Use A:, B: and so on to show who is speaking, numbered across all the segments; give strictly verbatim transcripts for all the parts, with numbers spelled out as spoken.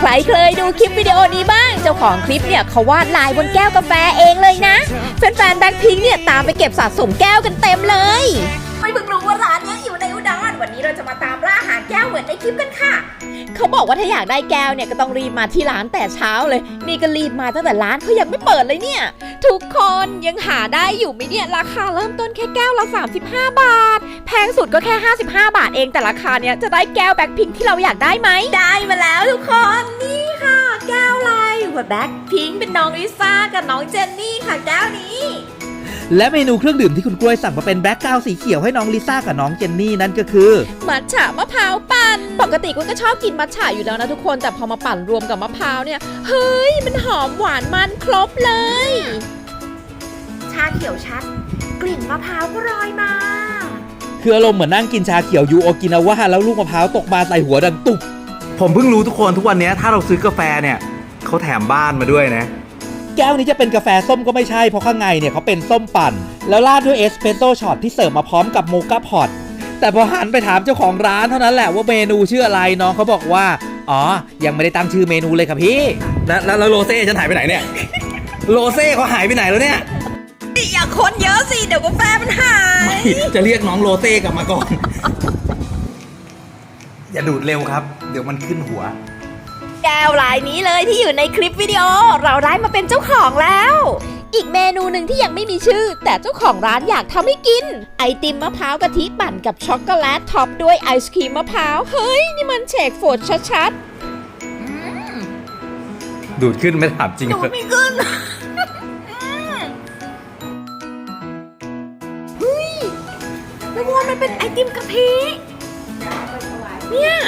A: ใครเคยดูคลิปวิดีโอนี้บ้างเจ้าของคลิปเนี่ยเขาวาดลายบนแก้วกาแฟเองเลยนะแฟนๆแบ็คพิงค์เนี่ยตามไปเก็บสะสมแก้วกันเต็มเลยไม่เพิ่งรู้ว่าร้านนี้อยู่ในอุดรวันนี้เราจะมาตามล่าหาแก้วเหมือนในคลิปกันค่ะเขาบอกว่าถ้าอยากได้แก้วเนี่ยก็ต้องรีบมาที่ร้านแต่เช้าเลยนี่ก็รีบมาตั้งแต่ร้านเขายังไม่เปิดเลยเนี่ยทุกคนยังหาได้อยู่ไหมเนี่ยราคาเริ่มต้นแค่แก้วละสามสิบห้าบาทแพงสุดก็แค่ห้าสิบห้าบาทเองแต่ราคาเนี้ยจะได้แก้วแบ็คพิงค์ที่เราอยากได้ไหมได้มาแล้วทุกคนนี่ค่ะแก้วลายหัวแบ็คพิงค์เป็นน้องลิซ่ากับน้องเจนนี่ค่ะแก้วนี้
B: และเมนูเครื่องดื่มที่คุณกล้วยสั่งมาเป็นแบล็คกราวด์สีเขียวให้น้องลิซ่ากับน้องเจนนี่นั่นก็คือ
A: มัทฉะมะพร้าวปั่นปกติกุ้ยก็ชอบกินมัทฉะอยู่แล้วนะทุกคนแต่พอมาปั่นรวมกับมะพร้าวเนี่ยเฮ้ยมันหอมหวานมันครบเลยชาเขียวชัดกลิ่นมะพร้าวก็ลอยมา
B: คืออารมณ์เหมือนนั่งกินชาเขียวยูโอกินาวะแล้วลูกมะพร้าวตกมาใส่หัวดังตุบ
C: ผมเพิ่งรู้ทุกคนทุกวันนี้ถ้าเราซื้อกาแฟเนี่ยเขาแถมบ้านมาด้วยนะ
B: แก้วนี้จะเป็นกาแฟส้มก็ไม่ใช่เพราะข้างในเนี่ยเขาเป็นส้มปั่นแล้วราดด้วยเอสเปรสโซ่ช็อตที่เสิร์ฟมาพร้อมกับโมคาพอตแต่พอหันไปถามเจ้าของร้านเท่านั้นแหละว่าเมนูชื่ออะไรน้องเขาบอกว่าอ๋อยังไม่ได้ตั้งชื่อเมนูเลยครับพี่
C: แล้วแล้วโรเซ่ฉันหายไปไหนเนี่ยโรเซ่เขาหายไปไหนแล้วเนี่ย
A: อย่าคนเยอะสิเดี๋ยวกาแฟมันหาย
C: จะเรียกน้องโรเซ่กลับมาก่อนอย่าดูดเร็วครับเดี๋ยวมันขึ้นหัว
A: แก้วลายนี้เลยที่อยู่ในคลิปวิดีโอเราได้มาเป็นเจ้าของแล้วอีกเมนูหนึ่งที่ยังไม่มีชื่อแต่เจ้าของร้านอยากทำให้กินไอติมมะพร้าวกะทิปั่นกับช็อกโกแลตท็อปด้วยไอศครีมมะพร้าวเฮ้ยนี่มันเชคโฟดชัด
C: ๆดูดขึ้นไม่ถามจริง
A: ดูดไม่ขึ้นเฮ้ยแล้วว่ามันเป็นไอติมกะทิเนี่ย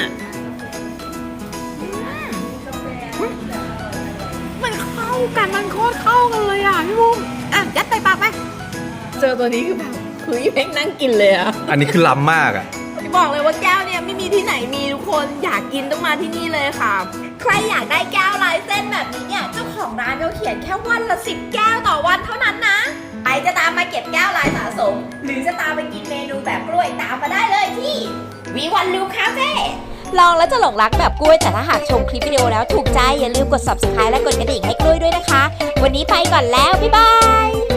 A: มันเข้ากันมันโคตรเข้ากันเลยอ่ะพี่บุ้มอ่ะยัดใส่ปากไปเจอตัวนี้คือแบบคือแม่งนั่งกินเลยอ่ะ
C: อันนี้คือล้ำมากอ่ะ
A: บอกเลยว่าแก้วเนี่ยไม่มีที่ไหนมีทุกคนอยากกินต้องมาที่นี่เลยค่ะใครอยากได้แก้วลายเส้นแบบนี้เนี่ยเจ้าของร้านเขาเขียนแค่วันละสิบแก้วต่อวันเท่านั้นนะใครจะตามมาเก็บแก้วลายสะสมหรือจะตามไปกินเมนูแบบกล้วยตามมาได้เลยที่วีวันลูคาเฟ่ลองแล้วจะหลงรักแบบกล้วยแต่ถ้าหากชมคลิปวิดีโอแล้วถูกใจอย่าลืมกด ซับสไครบ์ และกดกระดิ่งให้กล้วยด้วยนะคะวันนี้ไปก่อนแล้วบ๊ายบาย